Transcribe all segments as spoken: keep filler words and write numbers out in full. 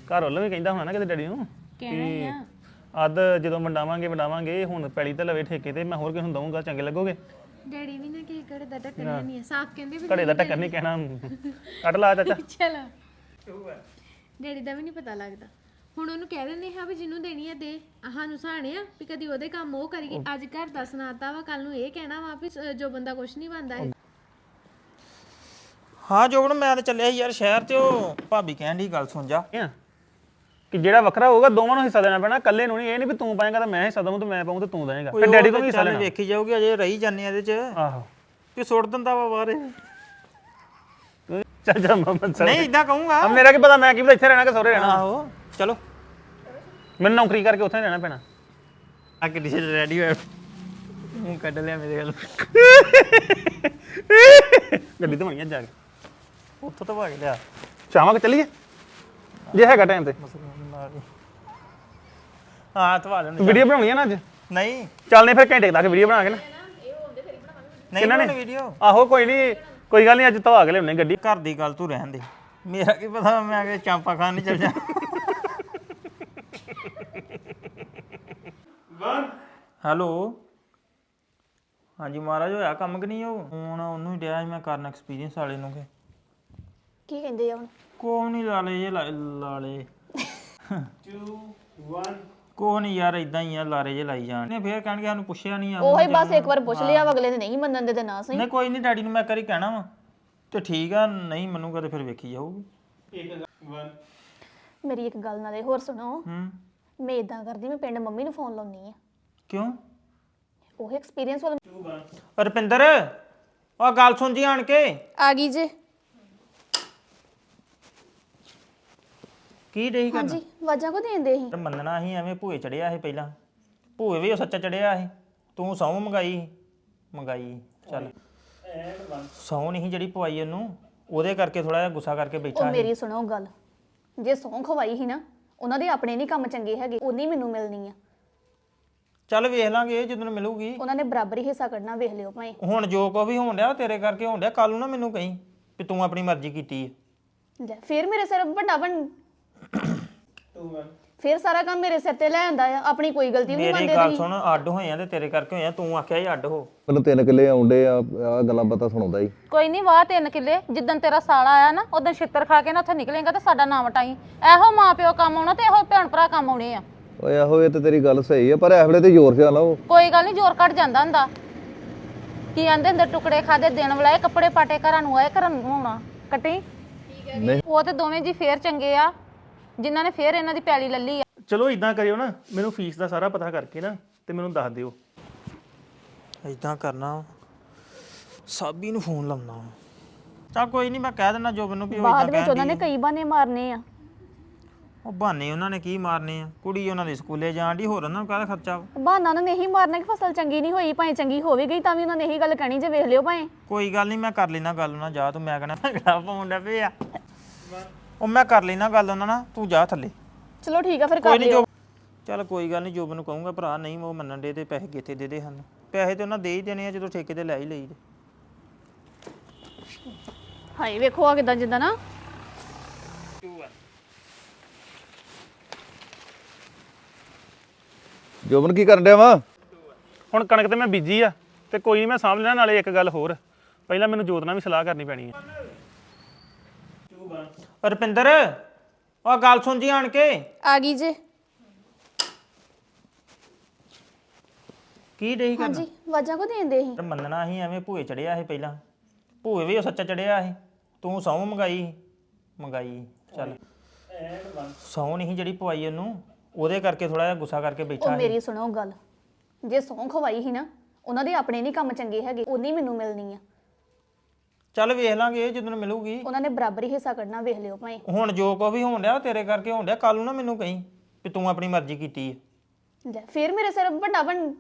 ਘਰ ਵੱਲੋਂ ਵੀ ਕਹਿੰਦਾ ਹੋਣਾ ਨਾ ਕਿਤੇ ਡੈਡੀ ਨੂੰ ਕਹਿਣਾ ਹੀ ਆ ਅੱਧ ਜਦੋਂ ਵੰਡਾਵਾਂਗੇ ਵੰਡਾਵਾਂਗੇ ਹੁਣ ਪੈਲੀ ਤੇ ਲਵੇ ਠੇਕੇ ਤੇ ਮੈਂ ਹੋਰ ਕਿਸੇ ਨੂੰ ਦਊਂਗਾ ਚੰਗੇ ਲੱਗੋਗੇ ਡੈਡੀ ਵੀ ਨਾ ਕੀ ਘੜੇ ਦਾ ਢੱਕਣ ਨਹੀਂ ਆ ਸਾਫ਼ ਕਹਿੰਦੇ ਵੀ ਘੜੇ ਦਾ ਟੱਕਰ ਨਹੀਂ ਕਹਿਣਾ ਕੱਢ ਲਾ ਚਾਚਾ ਚਲੋ ਡੈਡੀ ਦਾ ਵੀ ਨਹੀਂ ਪਤਾ ਲੱਗਦਾ ਹੁਣ ਉਹਨੂੰ ਕਹਿ ਦਿੰਦੇ ਹਾਂ ਵੀ ਜਿਹਨੂੰ ਦੇਣੀ ਆ ਦੇ ਸਾਨੂੰ ਸਾਣੇ ਆ ਵੀ ਕਦੀ ਉਹਦੇ ਕੰਮ ਉਹ ਕਰੀਏ ਅੱਜ ਘਰ ਦਾ ਸੁਣਾਤਾ ਵਾ ਕੱਲ ਨੂੰ ਇਹ ਕਹਿਣਾ ਵਾ ਵੀ ਸ- ਜੋ ਬੰਦਾ ਕੁਛ ਨਹੀਂ ਬਣਦਾ ਹਾਂ ਜੋਬਨ ਮੈਂ ਤਾਂ ਚੱਲਿਆ ਸੀ ਯਾਰ ਸ਼ਹਿਰ ਤੇ ਉਹ ਭਾਬੀ ਕਹਿਣ ਦੀ ਗੱਲ ਸੁਣ ਜਾ ਆ ਕਿ ਜਿਹੜਾ ਵੱਖਰਾ ਹੋਊਗਾ ਦੋਵਾਂ ਨੂੰ ਹਿੱਸਾ ਦੇਣਾ ਪੈਣਾ ਇਕੱਲੇ ਨੂੰ ਨਹੀਂ ਇਹ ਨਹੀਂ ਵੀ ਤੂੰ ਪਾਏਗਾ ਤਾਂ ਮੈਂ ਹਿੱਸਾ ਦਵਾਂ ਤੇ ਮੈਂ ਪਾਉਂ ਤੇ ਤੂੰ ਦੇਏਗਾ ਫਿਰ ਡੈਡੀ ਤੋਂ ਵੀ ਹਿੱਸਾ ਲੈਣਾ ਵੇਖੀ ਜਾਊਗੀ ਅਜੇ ਰਹੀ ਜਾਂਦੇ ਆ ਇਹਦੇ ਚ ਆਹੋ ਕਿ ਸੁੱਟ ਦਿੰਦਾ ਵਾ ਬਾਹਰ ਚੱਲ ਜਾ ਮਮਨ ਸਰ ਨਹੀਂ ਇਦਾਂ ਕਹੂੰਗਾ ਆ ਮੇਰਾ ਕੀ ਪਤਾ ਮੈਂ ਕੀ ਪਤਾ ਇੱਥੇ ਰਹਿਣਾ ਕਿ ਸਹੁਰੇ ਰਹਿਣਾ ਆਹੋ ਚਲੋ ਮੈਨੂੰ ਨੌਕਰੀ ਕਰਕੇ ਉੱਥੇ ਰਹਿਣਾ ਪੈਣਾ ਆ ਕਿੱਡੀ ਛੇ ਰੈਡੀ ਹੋਇਆ ਮੂੰਹ ਕੱਢ ਲਿਆ ਮੇਰੇ ਵੱਲ ਗੱਡੀ ਤੇ ਬਣੀ ਜਾ ਕੇ ਉੱਥੋਂ ਤਾਂ ਭਾਗ ਲਿਆ ਚਾਹਾਂ ਕਿ ਚੱਲੀਏ ਜੇ ਹੈਗਾ ਟਾਈਮ ਤੇ ਹਾਂ ਤਵਾ ਲੈਣ ਵੀਡੀਓ ਬਣਾਉਣੀ ਆ ਨਾ ਅੱਜ ਨਹੀਂ ਚੱਲਨੇ ਫਿਰ ਘੰਟੇ ਤੱਕ ਵੀਡੀਓ ਬਣਾ ਕੇ ਨਾ ਨਹੀਂ ਬਣਾਉਣੀ ਵੀਡੀਓ ਆਹੋ ਕੋਈ ਨਹੀਂ ਕੋਈ ਗੱਲ ਨਹੀਂ ਅੱਜ ਧਵਾ ਕੇ ਲਿਆਉਣੇ ਗੱਡੀ ਘਰ ਦੀ ਗੱਲ ਤੂੰ ਰਹਿਣ ਦੇ ਮੇਰਾ ਕੀ ਪਤਾ ਮੈਂ ਅਗੇ ਚਾਂਪਾ ਖਾਣ ਨਹੀਂ ਚੱਲ ਜਾ ਹੈਲੋ ਹਾਂਜੀ ਮਹਾਰਾਜ ਹੋਇਆ ਕੰਮ ਕਿ ਨਹੀਂ ਉਹ ਹੁਣ ਉਹਨੂੰ ਹੀ ਡਿਆ ਸੀ ਮੈਂ ਕਰਨ ਐਕਸਪੀਰੀਅੰਸ ਵਾਲੇ ਨੂੰ ਕਿ ਕੀ ਕਹਿੰਦੇ ਆ ਹੁਣ ਕੋਹ ਨਹੀਂ ਲਾਲੇ ਜੇ ਲਾਲੇ ਦੋ ਇੱਕ ਕੋਹ ਨਹੀਂ ਯਾਰ ਇਦਾਂ ਹੀ ਆ ਲਾਰੇ ਜੇ ਲਾਈ ਜਾਣ ਨੇ ਫੇਰ ਕਹਿਣਗੇ ਸਾਨੂੰ ਪੁੱਛਿਆ ਨਹੀਂ ਆ ਉਹੀ ਬਸ ਇੱਕ ਵਾਰ ਪੁੱਛ ਲਿਆ ਅਗਲੇ ਨੇ ਨਹੀਂ ਮੰਨਣ ਦੇ ਤੇ ਨਾ ਸਹੀ ਨਹੀਂ ਕੋਈ ਨਹੀਂ ਡੈਡੀ ਨੂੰ ਮੈਂ ਕਰੀ ਕਹਿਣਾ ਵਾ ਤੇ ਠੀਕ ਆ ਨਹੀਂ ਮੰਨੂਗਾ ਤੇ ਫਿਰ ਵੇਖੀ ਜਾਊਗੀ ਮੇਰੀ ਇੱਕ ਗੱਲ ਨਾਲੇ ਹੋਰ ਸੁਣੋ ਹੂੰ ਮੈਂ ਇਦਾਂ ਕਰਦੀ ਮੈਂ ਪਿੰਡ ਮੰਮੀ ਨੂੰ ਫੋਨ ਲਾਉਣੀ ਆ ਕਿਉਂ ਉਹ ਐਕਸਪੀਰੀਅੰਸ ਵਾਲਾ ਰੁਪਿੰਦਰ ਉਹ ਗੱਲ ਸੁਣ ਜੀ ਆਣ ਕੇ ਆ ਗਈ ਜੇ ਕੀ ਡਈ ਕਰਨਾ ਹਾਂਜੀ ਵਾਜਾਂ ਕੋ ਦੇਂਦੇ ਸੀ ਤੇ ਮੰਨਣਾ ਸੀ ਐਵੇਂ ਭੂਏ ਚੜਿਆ ਸੀ ਪਹਿਲਾਂ ਭੂਏ ਵੀ ਉਹ ਸੱਚਾ ਚੜਿਆ ਸੀ ਤੂੰ ਸਹੁੰ ਮੰਗਾਈ ਮੰਗਾਈ ਚੱਲ ਸਹੁੰ ਨਹੀਂ ਜਿਹੜੀ ਪਵਾਈ ਉਹਨੂੰ ਉਹਦੇ ਕਰਕੇ ਥੋੜਾ ਜਿਹਾ ਗੁੱਸਾ ਕਰਕੇ ਉਹ ਬੈਠਾ ਸੀ ਮੇਰੀ ਸੁਣੋ ਗੱਲ ਜੇ ਸੌਂ ਖਵਾਈ ਸੀ ਨਾ ਉਹਨਾਂ ਦੇ ਆਪਣੇ ਨਹੀਂ ਕੰਮ ਚੰਗੇ ਹੈਗੇ ਉਨੀ ਮੈਨੂੰ ਮਿਲਣੀ ਆ ਚੱਲ ਵੇਖ ਲਾਂਗੇ ਜਦੋਂ ਮਿਲੂਗੀ ਉਹਨਾਂ ਨੇ ਬਰਾਬਰ ਹੀ ਹਿੱਸਾ ਕੱਢਣਾ ਵੇਖ ਲਿਓ ਭਾਵੇਂ ਹੁਣ ਜੋ ਕੋ ਵੀ ਹੋਣ ਡਿਆ ਉਹ ਤੇਰੇ ਕਰਕੇ ਹੋਣ ਡਿਆ ਕੱਲ ਨੂੰ ਨਾ ਮੈਨੂੰ ਕਹੀਂ ਵੀ ਤੂੰ ਆਪਣੀ ਮਰਜ਼ੀ ਕੀਤੀ ਹੈ ਲੈ ਫਿਰ ਮੇਰੇ ਸਿਰ ਵੱਡਾ ਬਣ ਫਿਰ ਸਾਰਾ ਕੰਮ ਮੇਰੇ ਸਿਰ ਤੇ ਲੈ ਆਂਦਾ ਆ ਆਪਣੀ ਕੋਈ ਗਲਤੀ ਨਹੀਂ ਮੇਰੀ ਮੰਨਦੇ ਗੱਲ ਤੁਸੀਂ ਸੁਣ ਅੱਡ ਹੋਏ ਆ ਤੇ ਤੇਰੇ ਕਰਕੇ ਹੋਏ ਆ ਤੂੰ ਆਖਿਆ ਸੀ ਅੱਡ ਹੋ ਮੈਨੂੰ ਤਿੰਨ ਕਿੱਲੇ ਆਉਂਦੇ ਆ ਆ ਗੱਲਾਂ ਬਾਤਾਂ ਸੁਣਾਉਂਦਾ ਹੀ ਕੋਈ ਨਹੀਂ ਵਾਹ ਤਿੰਨ ਕਿੱਲੇ ਜਿੱਦਣ ਤੇਰਾ ਸਾਲਾ ਆਇਆ ਨਾ ਉਦੋਂ ਛਿੱਤਰ ਖਾ ਕੇ ਨਾ ਉੱਥੇ ਨਿਕਲੇਗਾ ਤੇ ਸਾਡਾ ਨਾਮ ਵਟਾਈ ਇਹੋ ਮਾਂ ਪਿਓ ਕੰਮ ਆਉਣਾ ਤੇ ਇਹੋ ਭੈਣ ਭਰਾ ਕੰਮ ਆਉਣੇ ਆ ਓਏ ਆਹੋ ਇਹ ਤੇ ਤੇਰੀ ਗੱਲ ਸਹੀ ਆ ਪਰ ਇਸ ਵੇਲੇ ਤੇ ਜ਼ੋਰ ਸਿਆ ਲਾਓ ਕੋਈ ਗੱਲ ਨਹੀਂ ਜ਼ੋਰ ਕੱਢ ਜਾਂਦਾ ਹੁੰਦਾ ਕੀ ਆਂਦੇ ਹੁੰਦੇ ਟੁਕੜੇ ਖਾਦੇ ਦਿਨ ਵਲਾਏ ਕੱਪੜੇ ਪਾਟੇ ਘਰਾਂ ਨੂੰ ਆਏ ਘਰਾਂ ਨੂੰ ਆਉਣਾ ਕੱਟੀ ਨਹੀਂ ਉਹ ਤੇ ਦੋਵੇਂ ਜੀ ਫੇਰ ਚੰਗੇ ਆ ਜਿਨ੍ਹਾਂ ਨੇ ਫੇਰ ਇਹਨਾਂ ਦੀ ਪੈਲੀ ਲੱਲੀ ਆ ਚਲੋ ਇਦਾਂ ਕਰਿਓ ਨਾ ਮੈਨੂੰ ਫੀਸ ਦਾ ਸਾਰਾ ਪਤਾ ਕਰਕੇ ਨਾ ਤੇ ਮੈਨੂੰ ਦੱਸ ਦਿਓ ਇਦਾਂ ਕਰਨਾ ਸਾਬੀ ਨੂੰ ਫੋਨ ਲਾਉਣਾ ਚਾ ਕੋਈ ਨਹੀਂ ਮੈਂ ਕਹਿ ਦਿੰਦਾ ਜੋਬਨ ਨੂੰ ਵੀ ਉਹ ਬਾਅਦ ਇਦਾਂ ਵਿੱਚ ਉਹਨਾਂ ਨੇ ਕਈ ਬਾਨੇ ਮਾਰਨੇ ਆ ਉਹ ਬਹਾਨੇ ਉਹਨਾਂ ਨੇ ਕੀ ਮਾਰਨੇ ਆ ਕੁੜੀ ਉਹਨਾਂ ਦੇ ਸਕੂਲੇ ਜਾਣ ਦੀ ਹੋਰ ਉਹਨਾਂ ਨੂੰ ਕਾਹਦਾ ਖਰਚਾ ਵਾ? ਬਹਾਨਾ ਉਹਨਾਂ ਨੇ ਇਹੀ ਮਾਰਨਾ ਕਿ ਫਸਲ ਚੰਗੀ ਨਹੀਂ ਹੋਈ ਭਾਵੇਂ ਚੰਗੀ ਹੋਵੇ ਗਈ ਤਾਂ ਵੀ ਉਹਨਾਂ ਨੇ ਇਹੀ ਗੱਲ ਕਹਿਣੀ ਜੇ ਵੇਖ ਲਿਓ ਭਾਵੇਂ ਕੋਈ ਗੱਲ ਨਹੀਂ ਮੈਂ ਕਰ ਲੈਣਾ ਗੱਲ ਉਹਨਾਂ ਜਾ ਤੂੰ ਮੈਂ ਕਹਣਾ ਭੰਗੜਾ ਪਾਉਣ ਦਾ ਪਿਆ ਉਹ ਮੈਂ ਕਰ ਲੈਣਾ ਗੱਲ ਉਹਨਾਂ ਨਾਲ ਤੂੰ ਜਾ ਥੱਲੇ ਚਲੋ ਠੀਕ ਆ ਫਿਰ ਕੋਈ ਕਰ ਨਹੀਂ ਲਿਓ ਜੋ ਚੱਲ ਕੋਈ ਗੱਲ ਨਹੀਂ ਜੋਬਨ ਨੂੰ ਕਹੂੰਗਾ ਭਰਾ ਨਹੀਂ ਉਹ ਮੰਨਣ ਦੇ ਤੇ ਪੈਸੇ ਕਿੱਥੇ ਦੇ ਦੇ ਹਨ ਪੈਸੇ ਤੇ ਉਹਨਾਂ ਦੇ ਹੀ ਦੇਣੇ ਆ ਜਦੋਂ ਠੇਕੇ ਤੇ ਲੈ ਹੀ ਲਈ ਤੇ ਹਾਏ ਵੇਖੋ ਆ ਕਿਦਾਂ ਜਿੱਦਾਂ ਨਾ ਜੋਬਨ ਕੀ ਕਰਨ ਡਿਆ ਵਾ ਹੁਣ ਕਣਕ ਤੇ ਮੈਂ ਬੀਜੀ ਆ ਤੇ ਕੋਈ ਨਹੀਂ ਮੈਂ ਸਾਂਭ ਲੈਣਾ ਨਾਲੇ ਇੱਕ ਗੱਲ ਹੋਰ ਪਹਿਲਾਂ ਮੈਨੂੰ ਜੋਤ ਨਾਲ ਵੀ ਸਲਾਹ ਕਰਨੀ ਪੈਣੀ ਹੈ ਰੁਪਿੰਦਰ ਉਹ ਗੱਲ ਸੁਣ ਜੀ ਆਣ ਕੇ ਆ ਗਈ ਜੇ ਕੀ ਡਈ ਕਰਨਾ ਹਾਂਜੀ ਵਾਜਾਂ ਕੋ ਦੇਂਦੇ ਸੀ ਤੇ ਮੰਨਣਾ ਸੀ ਐਵੇਂ ਭੂਏ ਚੜਿਆ ਸੀ ਪਹਿਲਾਂ ਭੂਏ ਵੀ ਉਹ ਸੱਚਾ ਚੜਿਆ ਸੀ ਤੂੰ ਸਹੁੰ ਮੰਗਾਈ ਮੰਗਾਈ ਚੱਲ ਸਹੁੰ ਨਹੀਂ ਜਿਹੜੀ ਪਵਾਈ ਉਹਨੂੰ ਉਹਦੇ ਕਰਕੇ ਥੋੜਾ ਜਿਹਾ ਗੁੱਸਾ ਕਰਕੇ ਉਹ ਬੈਠਾ ਸੀ ਮੇਰੀ ਸੁਣੋ ਗੱਲ ਜੇ ਸੌਂ ਖਵਾਈ ਸੀ ਨਾ ਉਹਨਾਂ ਦੇ ਆਪਣੇ ਨਹੀਂ ਕੰਮ ਚੰਗੇ ਹੈਗੇ ਉਨੀ ਮੈਨੂੰ ਮਿਲਣੀ ਆ ਚੱਲ ਵੇਖ ਲਾਂਗੇ ਜਦੋਂ ਮਿਲੂਗੀ ਉਹਨਾਂ ਨੇ ਬਰਾਬਰ ਹੀ ਹਿੱਸਾ ਕੱਢਣਾ ਵੇਖ ਲਿਓ ਭਾਵੇਂ ਹੁਣ ਜੋ ਕੋ ਵੀ ਹੋਣ ਡਿਆ ਉਹ ਤੇਰੇ ਕਰਕੇ ਹੋਣ ਡਿਆ ਕੱਲ ਨੂੰ ਨਾ ਮੈਨੂੰ ਕਹੀਂ ਵੀ ਤੂੰ ਆਪਣੀ ਮਰਜ਼ੀ ਕੀਤੀ ਹੈ ਲੈ ਫਿਰ ਮੇਰੇ ਸਿਰ ਵੱਡਾ ਬਣ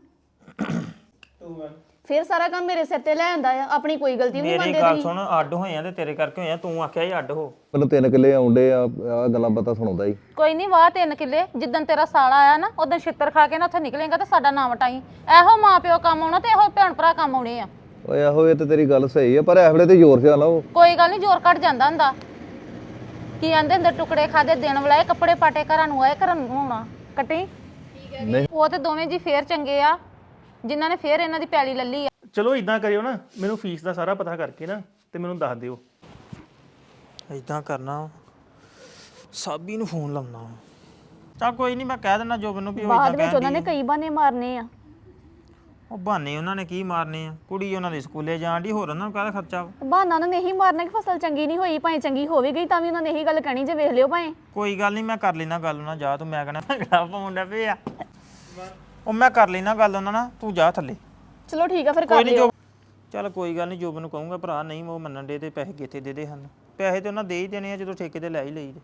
ਫਿਰ ਸਾਰਾ ਕੰਮ ਮੇਰੇ ਸਿਰ ਤੇ ਲੈ ਆਂਦਾ ਆ ਆਪਣੀ ਕੋਈ ਗਲਤੀ ਨਹੀਂ ਮੇਰੀ ਮੰਨਦੇ ਗੱਲ ਤੁਸੀਂ ਸੁਣ ਅੱਡ ਹੋਏ ਆ ਤੇ ਤੇਰੇ ਕਰਕੇ ਹੋਏ ਆ ਤੂੰ ਆਖਿਆ ਸੀ ਅੱਡ ਹੋ ਮੈਨੂੰ ਤਿੰਨ ਕਿੱਲੇ ਆਉਂਦੇ ਆ ਆ ਗੱਲਾਂ ਬਾਤਾਂ ਸੁਣਾਉਂਦਾ ਹੀ ਕੋਈ ਨਹੀਂ ਵਾਹ ਤਿੰਨ ਕਿੱਲੇ ਜਿੱਦਣ ਤੇਰਾ ਸਾਲਾ ਆਇਆ ਨਾ ਉਦੋਂ ਛਿੱਤਰ ਖਾ ਕੇ ਨਾ ਉੱਥੇ ਨਿਕਲੇਗਾ ਤੇ ਸਾਡਾ ਨਾਮ ਵਟਾਈ ਇਹੋ ਮਾਂ ਪਿਓ ਕੰਮ ਆਉਣਾ ਤੇ ਇਹੋ ਭੈਣ ਭਰਾ ਕੰਮ ਆਉਣੇ ਆ ਓਏ ਆਹੋ ਇਹ ਤੇ ਤੇਰੀ ਗੱਲ ਸਹੀ ਆ ਪਰ ਇਸ ਵੇਲੇ ਤੇ ਜ਼ੋਰ ਸਿਆ ਲਾਓ ਕੋਈ ਗੱਲ ਨਹੀਂ ਜ਼ੋਰ ਕੱਢ ਜਾਂਦਾ ਹੁੰਦਾ ਕੀ ਆਂਦੇ ਹੁੰਦੇ ਟੁਕੜੇ ਖਾਦੇ ਦਿਨ ਵਾਲੇ ਕੱਪੜੇ ਪਾਟੇ ਘਰਾਂ ਨੂੰ ਆਏ ਘਰਾਂ ਨੂੰ ਆਉਣਾ ਕੱਟੀ ਨਹੀਂ ਉਹ ਤੇ ਦੋਵੇਂ ਜੀ ਫੇਰ ਚੰਗੇ ਆ ਜਿਨ੍ਹਾਂ ਨੇ ਫੇਰ ਇਹਨਾਂ ਦੀ ਪੈਲੀ ਲੱਲੀ ਆ ਚਲੋ ਇਦਾਂ ਕਰਿਓ ਨਾ ਮੈਨੂੰ ਫੀਸ ਦਾ ਸਾਰਾ ਪਤਾ ਕਰਕੇ ਨਾ ਤੇ ਮੈਨੂੰ ਦੱਸ ਦਿਓ। ਇਦਾਂ ਕਰਨਾ ਸਾਬੀ ਨੂੰ ਫੋਨ ਲਾਉਣਾ ਚਾ ਕੋਈ ਨਹੀਂ ਮੈਂ ਕਹਿ ਦਿੰਦਾ ਜੋਬਨ ਨੂੰ ਵੀ ਉਹ ਬਾਅਦ ਇਦਾਂ ਵਿੱਚ ਉਹਨਾਂ ਨੇ ਕਈ ਬਹਾਨੇ ਮਾਰਨੇ ਆ। ਉਹ ਬਹਾਨੇ ਉਹਨਾਂ ਨੇ ਕੀ ਮਾਰਨੇ ਆ ਕੁੜੀ ਉਹਨਾਂ ਦੇ ਸਕੂਲੇ ਜਾਣ ਦੀ ਹੋਰ ਉਹਨਾਂ ਨੂੰ ਕਾਹਦਾ ਖਰਚਾ ਵਾ? ਬਹਾਨਾ ਉਹਨਾਂ ਨੇ ਇਹੀ ਮਾਰਨਾ ਕਿ ਫਸਲ ਚੰਗੀ ਨਹੀਂ ਹੋਈ, ਭਾਵੇਂ ਚੰਗੀ ਹੋਵੇ ਗਈ ਤਾਂ ਵੀ ਉਹਨਾਂ ਨੇ ਇਹੀ ਗੱਲ ਕਹਿਣੀ ਜੇ ਵੇਖ ਲਿਓ ਭਾਵੇਂ। ਕੋਈ ਗੱਲ ਨਹੀਂ ਮੈਂ ਕਰ ਲੈਣਾ ਗੱਲ ਉਹਨਾਂ ਜਾ ਤੂੰ ਮੈਂ ਕਹਿਣਾ ਭੰਗੜਾ ਪਾਉਣ ਲੱਗ ਪਿਆ ਉਹ ਮੈਂ ਕਰ ਲੈਣਾ ਗੱਲ ਉਹਨਾਂ ਨਾਲ ਤੂੰ ਜਾ ਥੱਲੇ ਚਲੋ ਠੀਕ ਆ ਫਿਰ ਕੋਈ ਕਰ ਨਹੀਂ ਲਿਓ। ਜੋ ਚੱਲ ਕੋਈ ਗੱਲ ਨਹੀਂ ਜੋਬਨ ਨੂੰ ਕਹੂੰਗਾ ਭਰਾ ਨਹੀਂ ਉਹ ਮੰਨਣ ਦੇ ਤੇ ਪੈਸੇ ਕਿੱਥੇ ਦੇ ਦੇ ਹਨ ਪੈਸੇ ਤੇ ਉਹਨਾਂ ਦੇ ਹੀ ਦੇਣੇ ਆ ਜਦੋਂ ਠੇਕੇ ਤੇ ਲੈ ਹੀ ਲਈ ਤੇ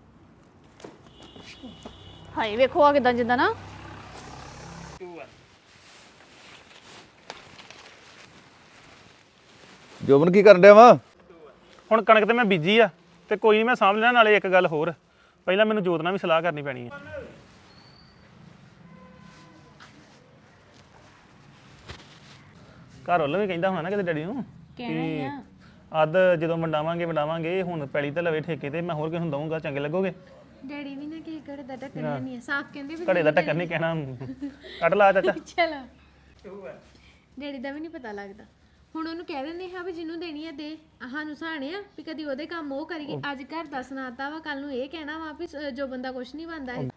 ਹਾਏ ਵੇਖੋ ਆ ਕਿਦਾਂ ਜਿੱਦਾਂ ਨਾ ਜੋਬਨ ਕੀ ਕਰਨ ਡਿਆ ਵਾ ਹੁਣ ਕਣਕ ਤੇ ਮੈਂ ਬੀਜੀ ਆ ਤੇ ਕੋਈ ਨਹੀਂ ਮੈਂ ਸਾਂਭ ਲੈਣਾ। ਨਾਲੇ ਇੱਕ ਗੱਲ ਹੋਰ, ਪਹਿਲਾਂ ਮੈਨੂੰ ਜੋਤ ਨਾਲ ਵੀ ਸਲਾਹ ਕਰਨੀ ਪੈਣੀ ਹੈ। ਘਰ ਵੱਲੋਂ ਵੀ ਕਹਿੰਦਾ ਹੋਣਾ ਨਾ ਕਿਤੇ ਡੈਡੀ ਨੂੰ ਕਿ ਅੱਧ ਜਦੋਂ ਵੰਡਾਵਾਂਗੇ ਵੰਡਾਵਾਂਗੇ ਹੁਣ ਪੈਲੀ ਤੇ ਲਵੇ ਠੇਕੇ ਤੇ ਮੈਂ ਹੋਰ ਕਿਸੇ ਨੂੰ ਦਊਂਗਾ ਚੰਗੇ ਲੱਗੋਗੇ। ਡੈਡੀ ਵੀ ਨਾ ਕੀ ਘੜੇ ਦਾ ਟੱਕਰਨਾ ਨਹੀਂ ਹੈ ਸਾਫ਼ ਕਹਿੰਦੇ ਵੀ ਘੜੇ ਦਾ ਟੱਕਰ ਨਹੀਂ ਕਹਿਣਾ ਕੱਢ ਲਾ ਚਾਚਾ। ਚਲੋ ਡੈਡੀ ਦਾ ਵੀ ਨਹੀਂ ਪਤਾ ਲੱਗਦਾ। ਹੁਣ ਉਹਨੂੰ ਕਹਿ ਦਿੰਦੇ ਹਾਂ ਵੀ ਜਿਹਨੂੰ ਦੇਣੀ ਆ ਦੇ ਸਾਨੂੰ ਸਾਣੇ ਆ ਵੀ ਕਦੀ ਉਹਦੇ ਕੰਮ ਉਹ ਕਰੀਏ। ਅੱਜ ਘਰ ਦਾ ਸੁਣਾਤਾ ਵਾ ਕੱਲ ਨੂੰ ਇਹ ਕਹਿਣਾ ਵਾ ਵੀ ਸ- ਜੋ ਬੰਦਾ ਕੁਛ ਨਹੀਂ ਬਣਦਾ ਹੈ।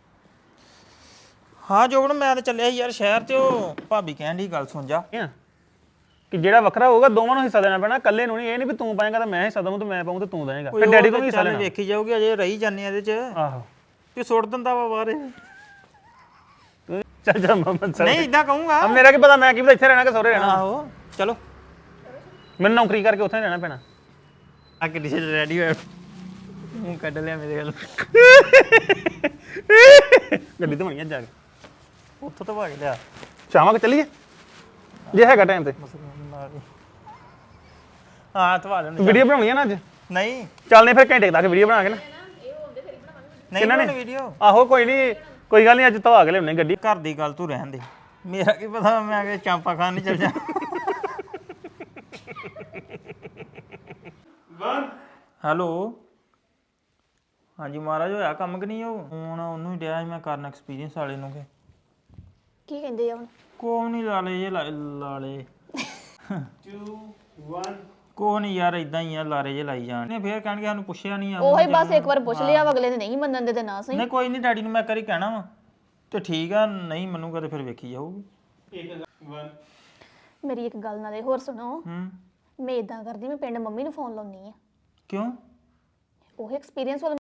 ਹਾਂ ਜੋਬਨ ਮੈਂ ਤਾਂ ਚੱਲਿਆ ਸੀ ਯਾਰ ਸ਼ਹਿਰ ਤੇ ਉਹ ਭਾਬੀ ਕਹਿਣ ਦੀ ਗੱਲ ਸੁਣ ਜਾ ਆ ਕਿ ਜਿਹੜਾ ਵੱਖਰਾ ਹੋਊਗਾ ਦੋਵਾਂ ਨੂੰ ਹਿੱਸਾ ਦੇਣਾ ਪੈਣਾ, ਇਕੱਲੇ ਨੂੰ ਨਹੀਂ। ਇਹ ਨਹੀਂ ਵੀ ਤੂੰ ਪਾਏਗਾ ਤਾਂ ਮੈਂ ਹਿੱਸਾ ਦਵਾਂ ਤੇ ਮੈਂ ਪਾਉਂ ਤੇ ਤੂੰ ਦੇਏਗਾ। ਫਿਰ ਡੈਡੀ ਕੋਲ ਵੀ ਹਿੱਸਾ ਚੱਲ ਲੈਣਾ। ਵੇਖੀ ਜਾਊਗੀ ਅਜੇ ਰਹੀ ਜਾਂਦੇ ਆ ਇਹਦੇ ਚ ਆਹੋ ਤੇ ਸੁੱਟ ਦਿੰਦਾ ਵਾ ਬਾਹਰ ਤੂੰ ਚੱਲ ਜਾ ਮਮਨ ਸਰ। ਨਹੀਂ ਇਦਾਂ ਕਹੂੰਗਾ ਆ ਮੇਰਾ ਕੀ ਪਤਾ, ਮੈਂ ਕੀ ਪਤਾ ਇੱਥੇ ਰਹਿਣਾ ਕਿ ਸਹੁਰੇ ਰਹਿਣਾ। ਆਹੋ ਚਲੋ ਮੈਨੂੰ ਨੌਕਰੀ ਕਰਕੇ ਉੱਥੇ ਰਹਿਣਾ ਪੈਣਾ। ਆ ਕਿ ਡਿਸ਼ ਰੈਡੀ ਹੋਇਆ ਮੂੰਹ ਕੱਢ ਲਿਆ ਮੇਰੇ ਵੱਲ ਗੱਡੀ ਤੇ ਬਣੀਆਂ ਜਾ ਕੇ ਉੱਥੋਂ ਤਾਂ ਭਾਗ ਲਿਆ ਸ਼ਾਮਾਂ ਕਿ ਚੱਲੀਏ ਜੇ ਹੈਗਾ ਟਾਈਮ ਤੇ। ਹਾਂ ਧਵਾ ਲੈਣ ਵੀਡੀਓ ਬਣਾਉਣੀ ਆ ਨਾ ਅੱਜ। ਨਹੀਂ ਚੱਲਨੇ ਫਿਰ ਘੰਟੇ ਤੱਕ ਵੀਡੀਓ ਬਣਾ ਕੇ ਨਾ। ਨਹੀਂ ਬਣਾਉਣੀ ਵੀਡੀਓ ਆਹੋ ਕੋਈ ਨਹੀਂ ਕੋਈ ਗੱਲ ਨਹੀਂ ਅੱਜ ਧਵਾ ਕੇ ਲਿਆਉਣੇ ਗੱਡੀ। ਘਰ ਦੀ ਗੱਲ ਤੂੰ ਰਹਿਣ ਦੇ ਮੇਰਾ ਕੀ ਪਤਾ ਮੈਂ ਕਿ ਚਾਂਪਾ ਖਾਣ ਨਹੀਂ ਚੱਲ ਜਾ ਹੈਲੋ ਹਾਂਜੀ ਮਹਾਰਾਜ ਹੋਇਆ ਕੰਮ ਕਿ ਨਹੀਂ ਉਹ ਹੁਣ ਉਹਨੂੰ ਹੀ ਡਿਆ ਸੀ ਮੈਂ ਕਰਨ ਐਕਸਪੀਰੀਅੰਸ ਵਾਲੇ ਨੂੰ ਕਿ ਕੀ ਕਹਿੰਦੇ ਆ ਹੁਣ? ਕੋਈ ਨਹੀਂ ਲਾਲੇ ਜੇ ਲਾ- ਲਾਲੇ ਦੋ ਇੱਕ ਕੋਈ ਨਹੀਂ ਯਾਰ ਇਦਾਂ ਹੀ ਆ ਲਾਰੇ ਜੇ ਲਾਈ ਜਾਣ ਨੇ ਫੇਰ ਕਹਿਣਗੇ ਸਾਨੂੰ ਪੁੱਛਿਆ ਨਹੀਂ ਆ ਉਹੀ ਬਸ ਇੱਕ ਵਾਰ ਪੁੱਛ ਲਿਆ ਵਾ, ਅਗਲੇ ਨੇ ਨਹੀਂ ਮੰਨਣ ਦੇ ਤੇ ਨਾ ਸਹੀ। ਨਹੀਂ ਕੋਈ ਨਹੀਂ ਡੈਡੀ ਨੂੰ ਮੈਂ ਕਰੀ ਕਹਿਣਾ ਵਾ ਤੇ ਠੀਕ ਆ ਨਹੀਂ ਮੰਨੂਗਾ ਤੇ ਫਿਰ ਵੇਖੀ ਜਾਊਗੀ ਮੇਰੀ ਇੱਕ ਗੱਲ ਨਾਲੇ ਹੋਰ ਸੁਣੋ। ਹੂੰ ਮੈਂ ਇਦਾਂ ਕਰਦੀ, ਮੈਂ ਪਿੰਡ ਮੰਮੀ ਨੂੰ ਫੋਨ ਲਾਉਣੀ ਆ। ਕਿਉਂ ਉਹ ਐਕਸਪੀਰੀਅੰਸ ਵਾਲਾ